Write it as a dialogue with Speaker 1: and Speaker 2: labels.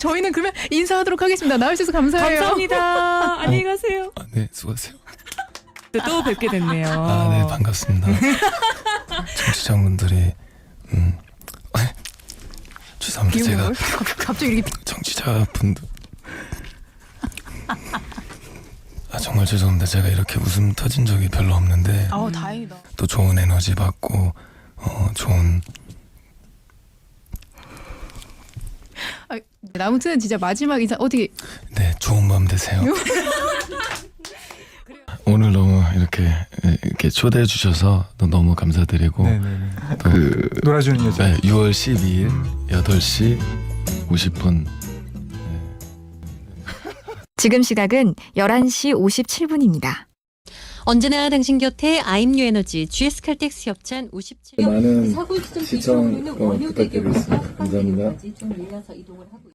Speaker 1: 저희는 그러면 인사하도록 하겠습니다. 나와주셔서 감사해요.
Speaker 2: 감사합니다. 안녕히 가세요.
Speaker 3: 네, 수고하세요.
Speaker 2: 또 뵙게 됐네요.
Speaker 3: 네, 반갑습니다. 청취자분들이 죄송합니다. 제가
Speaker 1: 갑자기 이렇게
Speaker 3: 청취자분들 정말 죄송합니다. 제가 이렇게 웃음 터진 적이 별로 없는데
Speaker 1: 다행이다.
Speaker 3: 또 좋은 에너지 받고 좋은
Speaker 1: 아무튼 진짜 마지막 인사 어떻게
Speaker 3: 네, 좋은 밤 되세요. 오늘 너무 이렇게 초대해 주셔서 너무 감사드리고
Speaker 4: 네네네.
Speaker 3: 또
Speaker 4: 놀아주는 여자.
Speaker 3: 네, 6월 12일 8시 50분
Speaker 5: 지금 시각은 11시 57분입니다.
Speaker 6: 언제나 당신 곁에 아임뉴 에너지 GS칼텍스 협찬 57.
Speaker 3: 많은 시청 부탁드리겠습니다. 감사합니다.